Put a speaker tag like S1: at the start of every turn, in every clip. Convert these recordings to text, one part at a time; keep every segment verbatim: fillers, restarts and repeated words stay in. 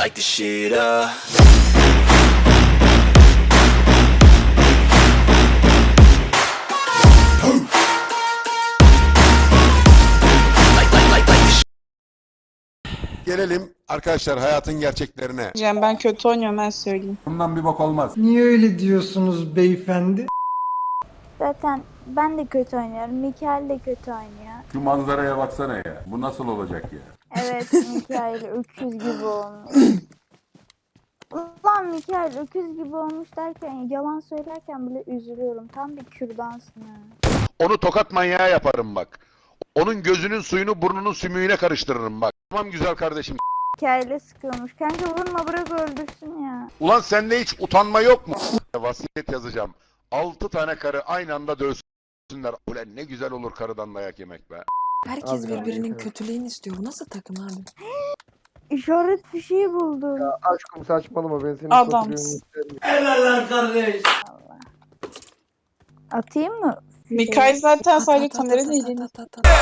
S1: light the shit up.
S2: Gelelim arkadaşlar hayatın gerçeklerine.
S3: Cem ben kötü oynuyorum ben söyleyeyim.
S2: Bundan bir bak olmaz.
S4: Niye öyle diyorsunuz beyefendi?
S5: Zaten ben de kötü oynuyorum. Mikael de kötü oynuyor.
S2: Şu manzaraya baksana ya. Bu nasıl olacak ya?
S5: Evet Mikael öküz gibi olmuş. Ulan Mikael öküz gibi olmuş derken yalan söylerken bile üzülüyorum. Tam bir kürdansın ha.
S2: Onu tokat manyağı yaparım bak. Onun gözünün suyunu burnunun sümüğüne karıştırırım bak. Tamam güzel kardeşim.
S5: Mikael'e sıkıyormuş. Kanka vurma bırak öldürsün ya.
S2: Ulan sende hiç utanma yok mu? Vasiyet yazacağım. Altı tane karı aynı anda dövsünler. Ulan ne güzel olur karıdan dayak yemek be.
S6: Herkes birbirinin kötülüğünü istiyor. Bu nasıl takım abi?
S5: İşaret fişeği buldum.
S7: Ya aşkım saçmalama ben senin
S3: Adamsın.
S7: kötülüğünü istemiyorum.
S4: Helaller kardeş.
S5: Atayım mı? fişeği?
S3: Mikael zaten sadece
S6: At, at,
S3: kamera
S6: at,
S3: değil.
S6: at, at, at, at.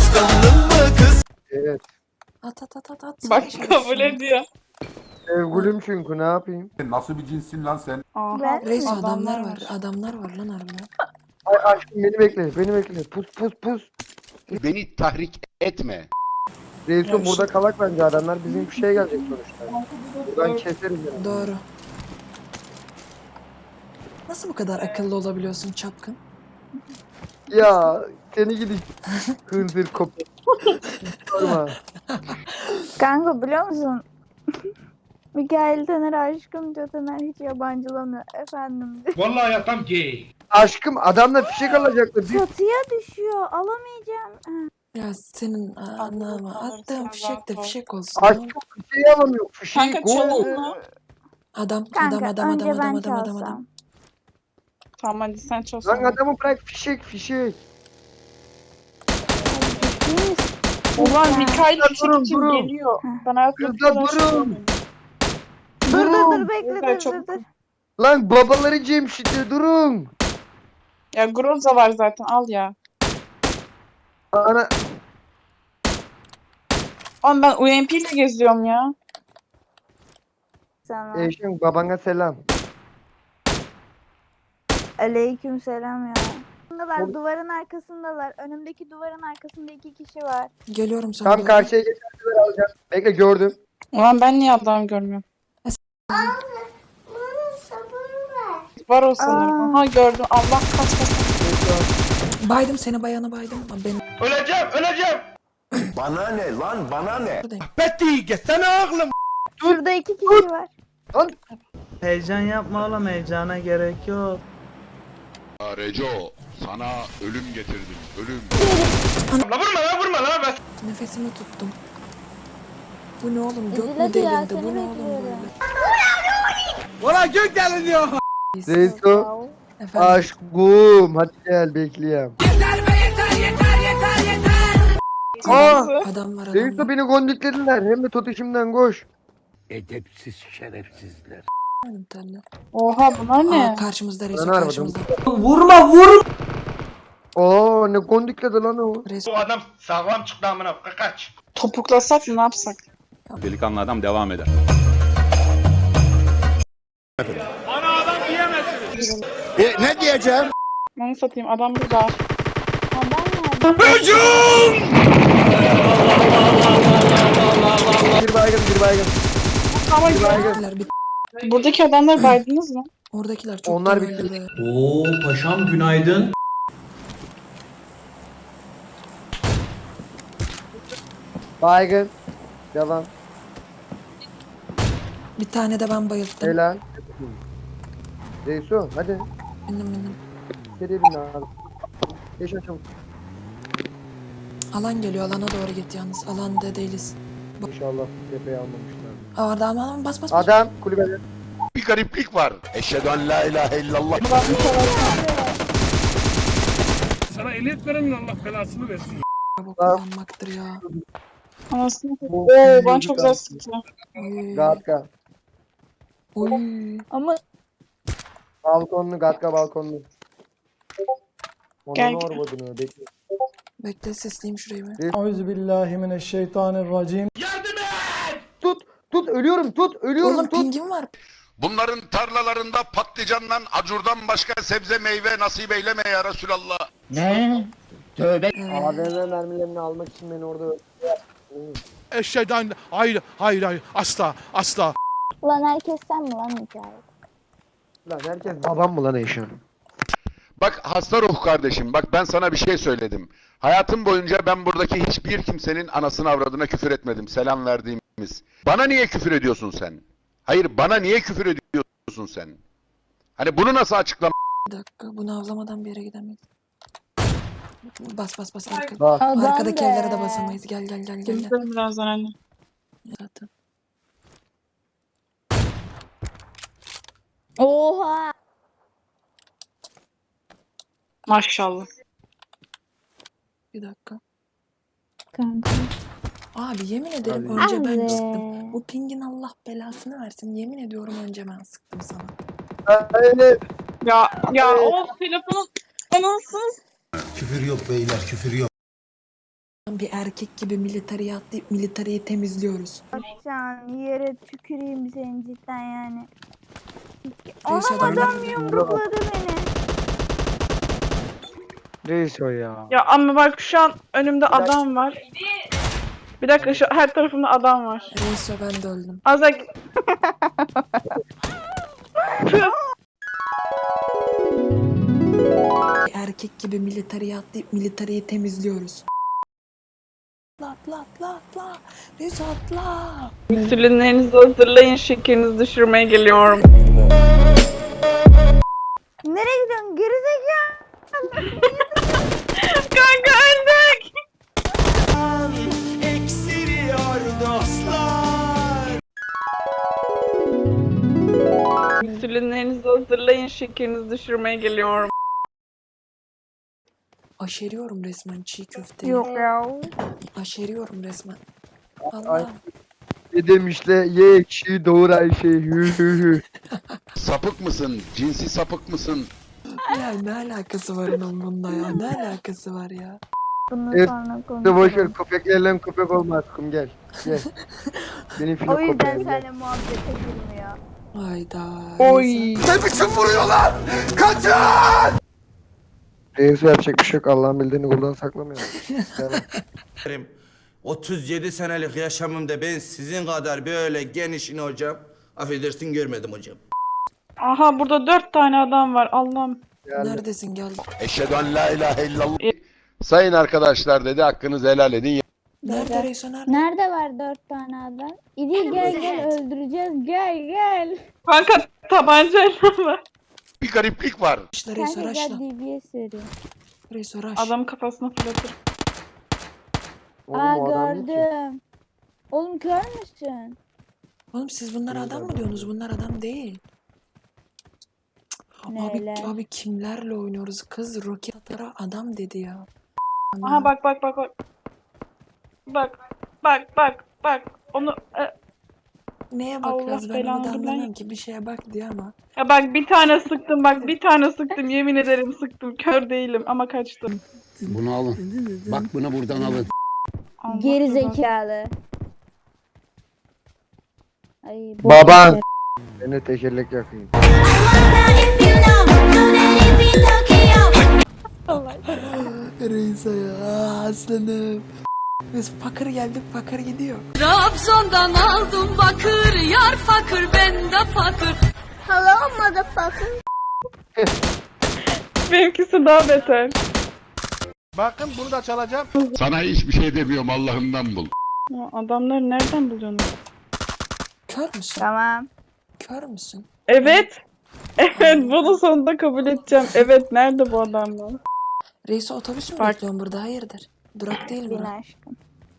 S7: Evet.
S6: At at at at at.
S3: Bak
S6: Savaş
S3: kabul
S6: olsun.
S3: ediyor.
S7: Sevgilim çünkü ne yapayım?
S2: Nasıl bir cinsin lan sen?
S3: Aha.
S5: Ben
S6: Reis
S5: mi?
S6: adamlar var. Adamlar var lan harbiden.
S7: Ay aşkım beni bekle beni bekle. Pus pus pus.
S2: Beni tahrik etme.
S7: Reisun burada kalak bence adamlar bizim bir şeye gelecek sonuçta. Buradan keseriz yani.
S6: Doğru. Nasıl bu kadar akıllı olabiliyorsun çapkın?
S7: Ya seni gidi hınzır kopya. Sorma.
S5: Kanka biliyor musun? Mikael Taner aşkım diyor. Taner hiç yabancılamıyor. Efendim diyor.
S4: Vallahi hayatım gay.
S7: Aşkım adamla fişek alacaktı. Bir
S5: Çatıya düşüyor. Alamayacağım. Ha.
S6: Ya senin anlama.
S3: kalırsa
S6: Attığın fişek de
S3: rahat ol.
S6: fişek olsun.
S7: aşkım fişeği alamıyor. Fişeği
S3: Kanka
S7: gol.
S3: çalın mı?
S6: Adam
S5: Kanka
S6: adam adam
S5: önce
S6: adam
S5: ben
S6: adam adam adam
S5: çalsam.
S6: adam.
S3: Tamam hadi sen
S7: Lan
S3: çalsana.
S7: adamı bırak fişek fişek.
S5: Ciddi misin?
S3: Ulan Mikael
S7: Durun,
S3: fişek için
S7: durun.
S3: geliyor. Ben hayatımda
S7: Kızlar,
S3: bu kadar şey
S7: durun.
S3: görmedim.
S5: Dur dur
S7: Durun.
S5: dur bekle
S3: Güzel,
S5: dur
S3: çok-
S5: dur dur.
S7: Lan babaları Cemşit'e durun.
S3: Ya Groza var zaten al ya.
S7: Ana
S3: Oğlum ben U M P ile geziyorum ya.
S5: Sana.
S7: eşim babana selam.
S5: Aleyküm selam ya. Arkasındalar, duvarın arkasındalar. Önümdeki duvarın arkasında iki kişi var.
S6: Geliyorum sana.
S7: Tam
S6: doğru.
S7: karşıya geçerler alacağım. Bekle gördüm.
S3: Ulan ben niye adam görmüyorum? Var o sanırım.
S5: Aa.
S3: Aha gördüm. Allah kaç kaç.
S6: Baydım seni bayana baydım. Ama benim
S2: Bana ne lan bana ne?
S6: buradayım.
S4: Betty gitsene oğlum.
S5: Şurada iki kişi var.
S7: Lan
S8: Heyecan yapma oğlum, heyecana gerek yok.
S2: Reco sana ölüm getirdim ölüm.
S6: Nefesimi tuttum. Bu ne oğlum? Gök mü
S5: Hadi ya,
S6: delindi?
S5: seni
S6: Bu ne oğlum
S5: bekliyorum.
S6: böyle?
S4: Valla gök deliniyor.
S7: Reiso
S6: Efendim.
S7: aşkım hadi gel bekleyeyim. Aa
S6: Adam var adam
S7: Reiso
S6: var.
S7: beni gondiklediler hem de tutuşumdan koş.
S4: Edepsiz şerefsizler.
S6: Bir tane.
S3: Oha bunlar ne?
S6: Aa, karşımızda reis
S7: Ben aradım.
S6: karşımızda.
S4: Vurma vur.
S7: Aa ne gondikledi lan o.
S6: Reis
S4: adam sağlam çıktı amına kaç.
S3: Topuklasak mı ne yapsak?
S9: Delikanlı adam devam eder.
S2: E, ne diyeceğim?
S3: Onu satayım adam burada.
S5: Adam nerede?
S7: Bir baygın bir baygın.
S3: Ama
S7: Bir baygın.
S6: oradakiler bir
S3: buradaki adamları baydınız mı?
S6: oradakiler çok
S7: Onlar
S6: da
S7: bitti.
S6: öldü be.
S4: Oo paşam günaydın.
S7: Baygın. Devam.
S6: Bir tane de ben bayılttım.
S7: Helal. Reiso hadi.
S6: Benim benim.
S7: Seri bin abi. Geç çabuk.
S6: Alan geliyor alana doğru git yalnız. Alanda değiliz.
S7: İnşallah tepeyi almamışlar.
S6: Aa, orada ama ama bas bas bas.
S7: Adam kulübede.
S2: Bir gariplik var. Eşhedü en la ilahe illallah.
S4: Sana ehliyet verenin Allah belasını versin.
S6: Araba kullanmaktır ya.
S3: Anasını.
S7: Bu-
S3: Oo ben çok güzel sıktım.
S6: Oy.
S7: Gatka.
S6: Oy.
S5: Ama
S7: Balkonlu Gatka balkonlu.
S3: Gel,
S7: Onun
S3: gel.
S7: orbadını bekle.
S6: Bekle sesleyeyim şurayı bir.
S4: Euzubillahimineşşeytanirracim.
S7: Tut tut tut ölüyorum tut ölüyorum
S6: Oğlum
S7: tut.
S6: pingim var.
S2: Bunların tarlalarında patlıcandan, acurdan başka sebze meyve nasip eyleme ya Resulallah.
S1: Ne? Tövbe.
S7: A V M mermilerini almak için beni orada öldürdüler.
S10: Eşhedü hayır hayır hayır asla asla.
S5: Lan herkes sen mi lan Mikail?
S7: Lan herkes babam mı lan Eşan?
S2: Bak hasta ruh kardeşim, bak ben sana bir şey söyledim. Hayatım boyunca ben buradaki hiçbir kimsenin anasını avradına küfür etmedim, selam verdiğimiz. Bana niye küfür ediyorsun sen? Hayır, bana niye küfür ediyorsun sen? Hani bunu nasıl açıklam?
S6: Bir dakika bunu avlamadan bir yere gidemeyiz. Bas bas bas arka.
S7: Bak.
S5: Adam
S6: Arkadaki
S5: be.
S6: evlere de basamayız. Gel gel gel gel. gel.
S3: Temizlerim birazdan anne.
S6: Zaten.
S5: Oha.
S3: Maşallah.
S6: Bir dakika.
S5: Kanka.
S6: Abi yemin ederim
S7: Hadi.
S6: önce ben
S5: Abi.
S6: sıktım. Bu pingin Allah belasını versin. Yemin ediyorum önce ben sıktım sana.
S7: Öyle.
S3: Ya ya o telefonun anasını.
S1: Küfür yok beyler, küfür yok.
S6: Bir erkek gibi militariye atlayıp militariyi temizliyoruz.
S5: Can yere tüküreyim senin cidden yani.
S6: Neyse,
S5: Anam adam
S6: adamlar-
S5: yumrukladı beni.
S7: Reis o ya.
S3: Ya ama bak şu an önümde adam var. Bir dakika şu her tarafımda adam var.
S6: Neyse ben de öldüm.
S3: Azak
S6: Bir erkek gibi militariye atlayıp militariyi temizliyoruz. Atla atla atla atla. Neyse atla.
S3: Sülünlerinizi hazırlayın, şekerinizi düşürmeye geliyorum.
S5: Nereye gidiyorsun? Gerizekalı.
S3: Kanka öldük. Sülünlerinizi hazırlayın, şekerinizi düşürmeye geliyorum.
S6: Aşeriyorum resmen çiğ köfteyi.
S5: Yok ya.
S6: Aşeriyorum resmen.
S7: Ay.
S6: Allah.
S7: Ne demişler ye ekşi doğur Ayşe hü hü hü.
S2: Sapık mısın? Cinsi sapık mısın?
S6: Ya ne alakası var onun bununla ya? Ne alakası var ya?
S5: Bunu
S7: Evet,
S5: sonra
S7: Hadi
S5: konuşalım.
S7: boşver köpeklerle köpek olmaz kum gel. Gel. Benim filo
S5: O yüzden
S7: köpeğim gel.
S5: seninle muhabbete girmiyor.
S6: Hayda.
S3: Oy.
S6: Neyse.
S2: Ne biçim vuruyorlar? Kaçın!
S7: Reis yapacak bir şey yok Allah'ın bildiğini kuldan saklamıyor. Yani.
S1: otuz yedi senelik yaşamımda ben sizin kadar böyle genişini hocam, affedersin görmedim hocam.
S3: Aha burada dört tane adam var Allah'ım.
S7: Yani.
S6: Neredesin gel.
S2: Eşhedü en la ilahe illallah. Sayın arkadaşlar dedi, hakkınızı helal edin.
S6: Nerede Reyso nerede?
S5: Nerede var dört tane adam? İdi gel gel öldüreceğiz gel gel.
S3: Kanka tabancayla var.
S2: Bir gariplik var.
S6: Raşla Reyso
S5: Kanka gel
S6: raşla.
S5: D B S veriyor.
S6: Reyso raş.
S3: Adamın kafasına fırlatır.
S7: Oğlum,
S5: Aa
S7: o adam değil ki.
S5: gördüm. Oğlum kör müsün?
S6: Oğlum siz bunlar adam mı diyorsunuz? Bunlar adam değil. Abi,
S5: Neler?
S6: abi kimlerle oynuyoruz? Kız roket atara adam dedi ya.
S3: Aha bak bak bak bak. Bak bak bak bak. Onu e,
S6: Neye
S3: Allah
S6: bakıyoruz ben onu
S3: belanı
S6: da
S3: versin.
S6: anlamıyorum ki bir şeye bak diyor ama.
S3: ya bak bir tane sıktım bak bir tane sıktım yemin ederim sıktım kör değilim ama kaçtım.
S1: Bunu alın. Bak bunu buradan alın.
S3: Allah
S5: Geri
S3: belanı.
S5: zekalı. Ay,
S7: Baban. Beni tekerlek yakayım.
S6: Reysa ya aslanım. Biz fakir geldik fakir gidiyor.
S11: Trabzon'dan aldım bakır, yar fakir ben de fakir.
S5: Hello motherfucker.
S3: Benimkisi daha beter.
S10: Bakın bunu da çalacağım.
S2: Sana hiçbir şey demiyorum, Allah'ından bul.
S3: Ya adamları nereden buluyorsunuz?
S6: Kör müsün?
S5: Tamam.
S6: Kör müsün?
S3: Evet. Evet bunu sonunda kabul edeceğim. Evet nerede bu adamlar?
S6: Reysa otobüs mü
S3: Bak.
S6: bekliyorsun burada? Hayırdır? Durak değil
S5: Bin
S6: mi?
S5: aşkım.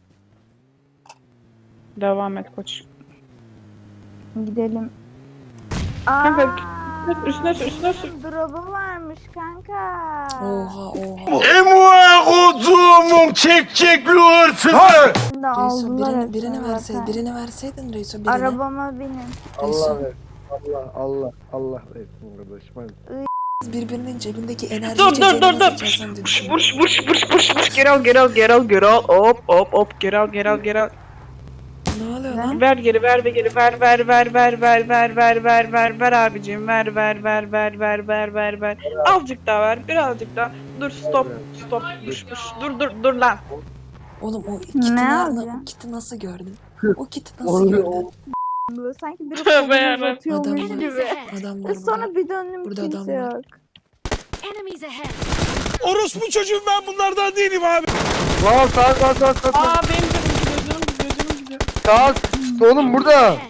S3: Devam et koç.
S5: Gidelim.
S3: Kanka,
S5: Aa,
S3: üstüne sür üstüne sür.
S5: drop'u varmış kanka.
S6: Oha oha.
S10: Emua kutumun çekçekli hırsızı.
S5: Şimdi
S6: Reyso
S5: aldılar
S6: birini,
S5: hepsini
S6: birini verseydin,
S5: zaten.
S6: birini verseydin Reyso birini.
S5: Arabama binin.
S7: Allah ver. Allah Allah Allah versin kardeşim. Hadi.
S6: Birbirinin cebindeki enerji
S3: Dur dur
S6: içeceğini
S3: dur
S6: nasıl
S3: dur.
S6: içersen diye
S3: Buş
S6: düşünüyorum.
S3: buş buş buş buş buş. Geri al geri al geri al geri al. Hop hop hop geri al geri al geri al.
S6: Ne oluyor
S5: Ne geri.
S3: Ver geri ver ve geri ver ver ver ver ver ver ver ver ver ver abicim ver ver ver ver ver ver ver ver azıcık daha ver birazcık daha dur stop stop düş düş dur dur dur lan
S6: Oğlum o kiti,
S5: Ne
S6: ne
S5: alacağım?
S6: o kiti nasıl gördün? O kiti nasıl
S7: Oğlum,
S6: gördün?
S5: Böyle sanki biri
S3: Tövbe
S5: kolunu
S3: yarabbim.
S5: uzatıyormuş
S6: Adam
S5: gibi.
S6: Adam var
S5: Ve sonra
S6: burada.
S5: bir döndüm
S6: Burada
S5: kimse
S6: adam var.
S5: yok.
S11: Enemies ahead.
S10: Orospu çocuğum ben bunlardan değilim abi.
S7: Lan sağ sağ sağ sağ sağ.
S3: aa benim canım gidiyor canım gidiyor canım gidiyor
S7: Sağ. Oğlum burada.
S11: Ahead.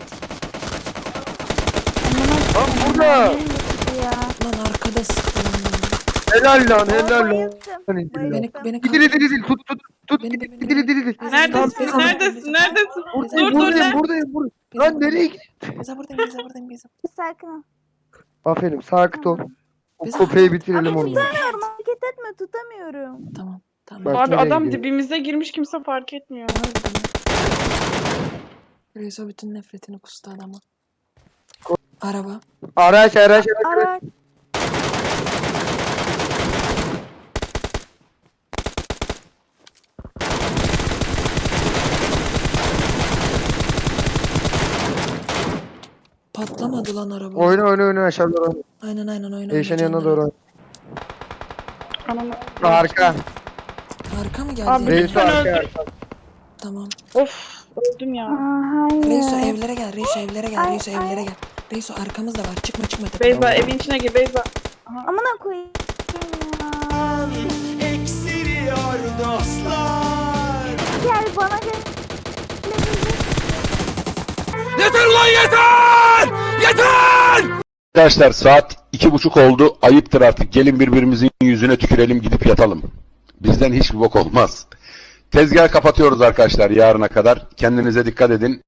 S7: Lan burada.
S5: Ya.
S6: Lan arkada sıktı lan beni.
S7: Helal lan helal lan.
S5: Bayıldım.
S6: Beni,
S5: Bayıldım.
S6: beni
S7: Dili dili dili tut tut tut.
S6: Beni,
S7: Dili
S6: beni,
S7: dili dili.
S3: neredesin
S6: Tamam,
S3: neredesin neredesin
S7: Buradayım
S3: dur dur
S7: buradayım
S3: lan
S7: buradayım buradayım. Lan nereye gidiyorsun?
S6: Beyza buradayım, Beyza buradayım, Beyza.
S5: Sakin ol.
S7: Aferin sakin ol. O
S6: Biz-
S7: köpeği bitirelim
S11: Enemies
S7: onu.
S11: ahead.
S5: Hareket etme tutamıyorum.
S6: Tamam, tamam.
S7: Bak,
S3: abi
S7: nereye
S3: adam
S7: gidiyor?
S3: dibimize girmiş kimse fark etmiyor
S6: Beyza bütün nefretini kustu adama. Araba.
S7: Araç araç araç.
S5: Araç.
S6: Patlamadı lan araba.
S7: Oyna oyna oyna aşağı doğru.
S6: Aynen aynen oyna.
S7: Eyşen
S6: oyna,
S7: yanına
S6: canlara.
S7: doğru.
S3: Anam.
S7: Arka.
S6: Arka mı geldi?
S3: Abi,
S7: Reiso
S3: lütfen
S7: arka
S3: öldür.
S7: arka.
S6: Tamam.
S3: Of öldüm ya
S5: Aa, hayır.
S6: Reiso evlere gel, Reiso evlere gel,
S5: Ay,
S6: Reiso
S5: ay.
S6: evlere gel. Reiso arkamız da var. Çıkma çıkma tepeye.
S3: Beyza evin içine gir Beyza
S5: Amına koyayım ya.
S1: Eksiliyor dostlar.
S5: Gel bana gel.
S10: Yeter lan yeter! Yeter!
S2: Arkadaşlar saat iki buçuk oldu. Ayıptır artık. Gelin birbirimizin yüzüne tükürelim gidip yatalım. Bizden hiçbir bok olmaz. Tezgah kapatıyoruz arkadaşlar yarına kadar. Kendinize dikkat edin.